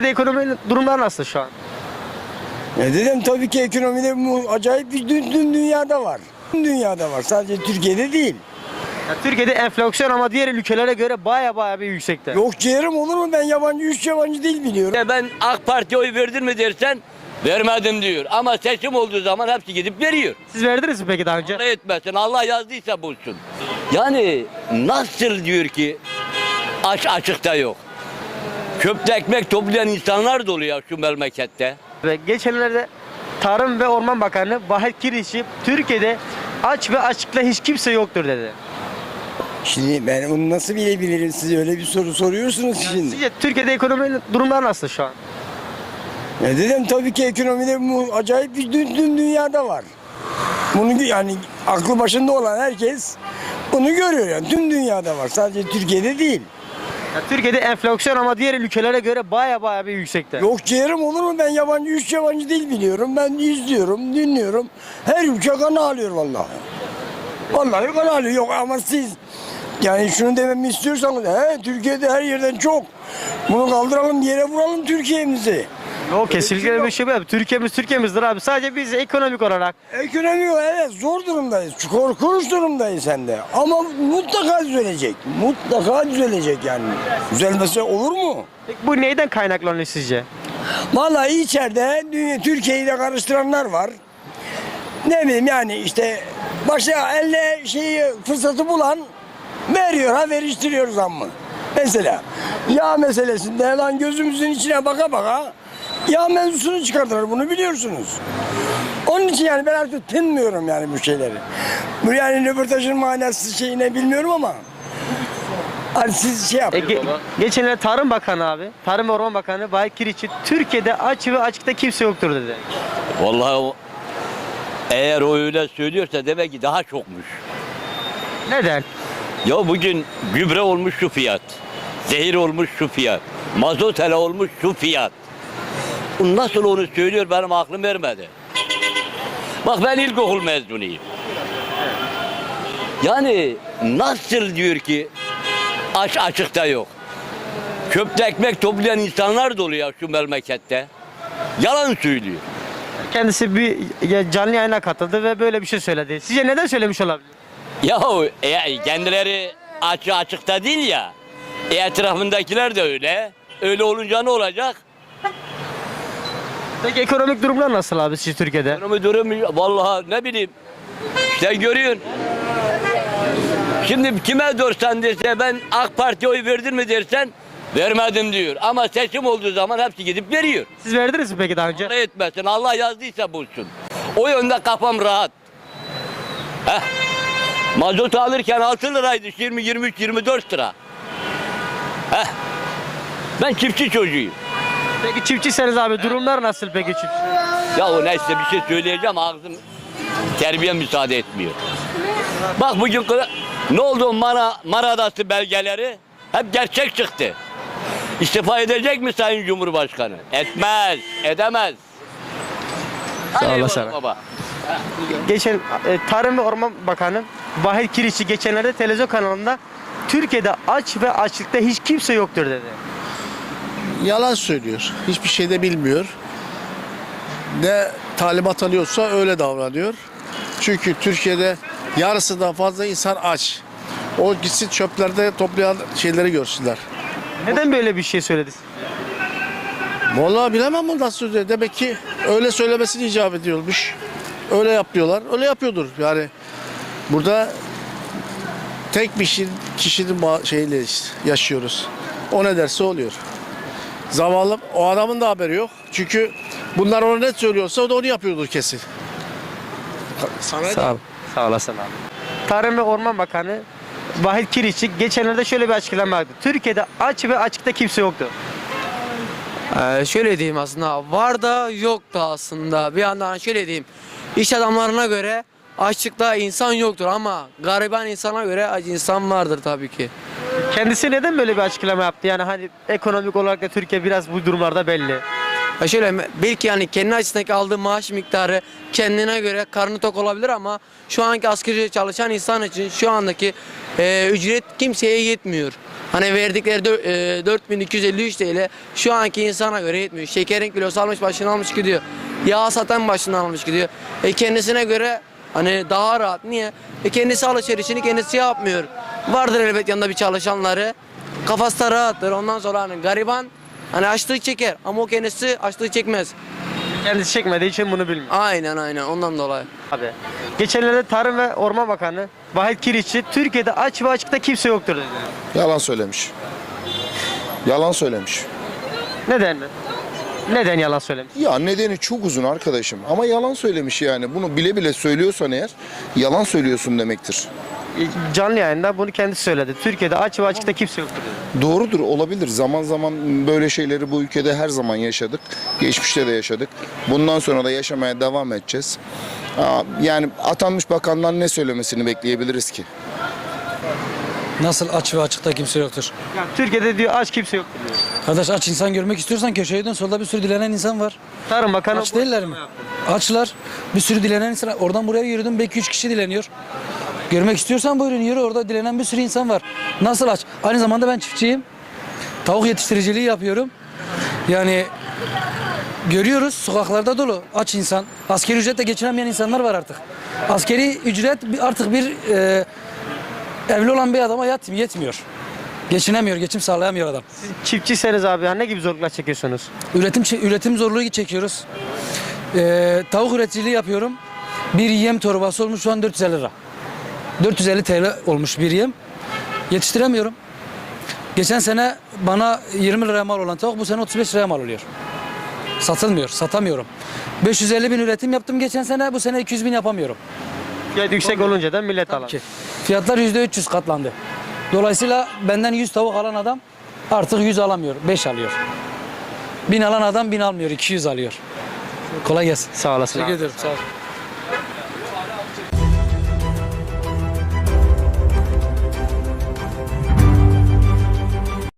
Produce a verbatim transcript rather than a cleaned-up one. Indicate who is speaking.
Speaker 1: Ekonomi durumlar nasıl şu an?
Speaker 2: Ne dedim, tabii ki ekonomide bu acayip bir dün, dün dünyada var. Dün dünyada var, sadece Türkiye'de değil.
Speaker 1: Ya Türkiye'de enflasyon ama diğer ülkelere göre baya baya bir yüksekte.
Speaker 2: Yok ciğerim, olur mu? Ben yabancı, üç yabancı dil biliyorum.
Speaker 3: Ya ben AK Parti'ye oy verdin mi dersen vermedim diyor. Ama seçim olduğu zaman hepsi gidip veriyor.
Speaker 1: Siz verdiniz mi peki daha önce?
Speaker 3: Para etmesin, Allah yazdıysa bulsun. Yani nasıl diyor ki aç açıkta yok. Çöpte ekmek toplayan insanlar dolu ya şu memlekette.
Speaker 1: Ve geçenlerde Tarım ve Orman Bakanı Bahar Kirişi Türkiye'de aç ve açıkta hiç kimse yoktur dedi.
Speaker 2: Şimdi ben onu nasıl bilebilirim, siz öyle bir soru soruyorsunuz şimdi.
Speaker 1: Sizce Türkiye'de ekonomi durumlar nasıl şu an?
Speaker 2: Ne dedim, tabii ki ekonomide bu acayip bir dün, dün dünyada var. Bunu yani aklı başında olan herkes bunu görüyor yani. Tüm dünyada var, sadece Türkiye'de değil.
Speaker 1: Ya Türkiye'de enflasyon ama diğer ülkelere göre baya baya bir yüksekte.
Speaker 2: Yok ciğerim, olur mu? Ben yabancı, üç yabancı dil biliyorum. Ben izliyorum, dinliyorum. Her ülke kan alıyor vallahi. Vallahi kan alıyor. Yok ama siz yani şunu dememi istiyorsanız, he, Türkiye'de her yerden çok. Bunu kaldıralım, yere vuralım Türkiye'mizi.
Speaker 1: Yok kesinlikle bir şey yok. Türkiye'miz Türkiye'mizdir abi. Sadece biz ekonomik olarak.
Speaker 2: Ekonomi, evet, zor durumdayız. Korkunç durumdayız hem de. Ama mutlaka düzelecek. Mutlaka düzelecek yani. Düzelmese olur mu?
Speaker 1: Peki bu neyden kaynaklanıyor sizce?
Speaker 2: Vallahi içeride dünya, Türkiye'yi de karıştıranlar var. Ne bileyim yani işte başka elle şeyi fırsatı bulan veriyor, ha veriştiriyor zammı. Mesela yağ meselesinde lan gözümüzün içine baka baka yağ mevzusunu çıkardılar, bunu biliyorsunuz. Onun için yani ben artık tınmıyorum yani bu şeyleri. Bu yani röportajın manası şeyine bilmiyorum ama hani siz şey
Speaker 1: E,
Speaker 2: yapın.
Speaker 1: ge- geçenlerde Tarım Bakanı abi, Tarım ve Orman Bakanı Bahar Kirişi Türkiye'de aç ve açıkta kimse yoktur dedi.
Speaker 3: Vallahi o, eğer o öyle söylüyorsa demek ki daha çokmuş.
Speaker 1: Neden?
Speaker 3: Ya bugün gübre olmuş şu fiyat, zehir olmuş şu fiyat, mazot hele olmuş şu fiyat. Bu nasıl onu söylüyor benim aklım ermedi. Bak ben ilkokul mezunuyum. Yani nasıl diyor ki aç açıkta yok. Çöpte ekmek toplayan insanlar dolu ya şu memlekette. Yalan söylüyor.
Speaker 1: Kendisi bir ya, canlı yayına katıldı ve böyle bir şey söyledi. Sizce neden söylemiş olabilir?
Speaker 3: Yahu e, kendileri açı açıkta değil ya. E, etrafındakiler de öyle. Öyle olunca ne olacak?
Speaker 1: Peki ekonomik durumlar nasıl abi siz Türkiye'de?
Speaker 3: Durumu durum vallahi ne bileyim. İşte görüyorsun. Şimdi kime dorsan dese ben AK Parti'ye oy verdin mi dersen vermedim diyor. Ama seçim olduğu zaman hepsi gidip veriyor.
Speaker 1: Siz verdiniz mi peki daha önce?
Speaker 3: Para etmesin, Allah yazdıysa bulsun. O yönde kafam rahat. Heh. Mazot alırken altı liraydı, yirmi, yirmi üç, yirmi dört lira. Heh. Ben çiftçi çocuğuyum.
Speaker 1: Peki çiftçiseniz abi durumlar nasıl peki çiftçi?
Speaker 3: Ya o neyse bir şey söyleyeceğim, ağzım terbiye müsaade etmiyor. Bak bugün kıra- ne oldu Mara, Maradası belgeleri hep gerçek çıktı. İstifa edecek mi Sayın Cumhurbaşkanı? Etmez, edemez.
Speaker 1: Sağ
Speaker 3: Hadi
Speaker 1: olasın.
Speaker 3: eyvallah baba.
Speaker 1: Geçen e, Tarım ve Orman Bakanı Bahar Kirişi geçenlerde televizyon kanalında Türkiye'de aç ve açlıkta hiç kimse yoktur dedi.
Speaker 4: Yalan söylüyor. Hiçbir şey de bilmiyor. Ne talimat alıyorsa öyle davranıyor. Çünkü Türkiye'de yarısından fazla insan aç. O gitsin çöplerde toplayan şeyleri görsünler.
Speaker 1: Neden böyle bir şey söyledi?
Speaker 4: Vallahi bilemem bu nasıl söylüyor. Demek ki öyle söylemesini icap ediyormuş. Öyle yapıyorlar. Öyle yapıyordur. Yani burada tek bir kişinin, kişinin ma- şeyle yaşıyoruz. O ne derse oluyor. Zavallı, o adamın da haberi yok. Çünkü bunlar ona ne söylüyorsa o da onu yapıyordur kesin. Sana
Speaker 1: Sağ ol. Sağ olasın abi. Tarım ve Orman Bakanı Bahar Kirişi geçenlerde şöyle bir açıklama yaptı. Türkiye'de aç ve açıkta kimse yoktu.
Speaker 5: Ee, şöyle diyeyim aslında var da yok da aslında bir yandan şöyle diyeyim iş adamlarına göre açlıkta insan yoktur ama gariban insana göre aç insan vardır tabii ki.
Speaker 1: Kendisi neden böyle bir açıklama yaptı? Yani hani ekonomik olarak da Türkiye biraz bu durumlarda belli.
Speaker 5: Ya şöyle belki yani kendi açısındaki aldığı maaş miktarı kendine göre karnı tok olabilir ama şu anki asgari ücretle çalışan insan için şu andaki e, ücret kimseye yetmiyor. Hani verdikleri dö- e, dört bin iki yüz elli üç T L şu anki insana göre yetmiyor. Şekerin kilosu almış başını almış gidiyor. Yağ satan başından almış gidiyor. E kendisine göre hani daha rahat. Niye? E kendisi alışverişini kendisi yapmıyor. Vardır elbet yanında bir çalışanları. Kafası da rahattır. Ondan sonra hani gariban hani açlık çeker ama o kendisi açlık çekmez.
Speaker 1: Kendisi çekmediği için bunu bilmiyor.
Speaker 5: Aynen aynen ondan dolayı.
Speaker 1: Abi. Geçenlerde Tarım ve Orman Bakanı Vahit Kirişçi Türkiye'de aç ve açıkta kimse yoktur dedi.
Speaker 6: Yalan söylemiş. Yalan söylemiş.
Speaker 1: Neden mi? Neden yalan söylemiş?
Speaker 6: Ya nedeni çok uzun arkadaşım ama yalan söylemiş yani. Bunu bile bile söylüyorsan eğer yalan söylüyorsun demektir.
Speaker 1: E, Canlı yayında bunu kendisi söyledi. Türkiye'de aç ve açıkta kimse yoktur dedi.
Speaker 6: Doğrudur, olabilir. Zaman zaman böyle şeyleri bu ülkede her zaman yaşadık. Geçmişte de yaşadık. Bundan sonra da yaşamaya devam edeceğiz. Aa, Yani atanmış bakandan ne söylemesini bekleyebiliriz ki?
Speaker 7: Nasıl aç ve açıkta kimse yoktur?
Speaker 1: Ya, Türkiye'de diyor aç kimse yoktur diyor.
Speaker 7: Kardeş aç insan görmek istiyorsan köşeye dön, solda bir sürü dilenen insan var.
Speaker 1: Tarım Bakanı
Speaker 7: Aç
Speaker 1: bu
Speaker 7: değiller mi?
Speaker 1: açıklama yaptı.
Speaker 7: Açlar. Bir sürü dilenen insan. Oradan buraya yürüdüm belki üç kişi dileniyor. Görmek istiyorsan buyurun yürü, orada dilenen bir sürü insan var. Nasıl aç? Aynı zamanda ben çiftçiyim. Tavuk yetiştiriciliği yapıyorum. Yani görüyoruz sokaklarda dolu aç insan. Askeri ücretle geçinemeyen insanlar var artık. Askeri ücret bir- artık bir e, evli olan bir adama yet- yetmiyor. Geçinemiyor, geçim sağlayamıyor adam.
Speaker 1: Çiftçiyseniz abi ya ne gibi zorluklar çekiyorsunuz?
Speaker 7: Üretim üretim zorluğu çekiyoruz. Ee, tavuk üreticiliği yapıyorum. Bir yem torbası olmuş şu an dört yüz elli lira. dört yüz elli T L olmuş bir yem. Yetiştiremiyorum. Geçen sene bana yirmi liraya mal olan tavuk bu sene otuz beş liraya mal oluyor. Satılmıyor, satamıyorum. beş yüz elli bin üretim yaptım geçen sene, bu sene iki yüz bin yapamıyorum.
Speaker 1: Fiyat yüksek olunca da millet alamıyor.
Speaker 7: Ki fiyatlar yüzde üç yüz katlandı. Dolayısıyla benden yüz tavuk alan adam artık yüz alamıyor, beş alıyor. bin alan adam bin almıyor, iki yüz alıyor. Kolay gelsin.
Speaker 1: Sağ olasın.
Speaker 7: Teşekkür
Speaker 1: abi.
Speaker 7: ederim. Sağ ol.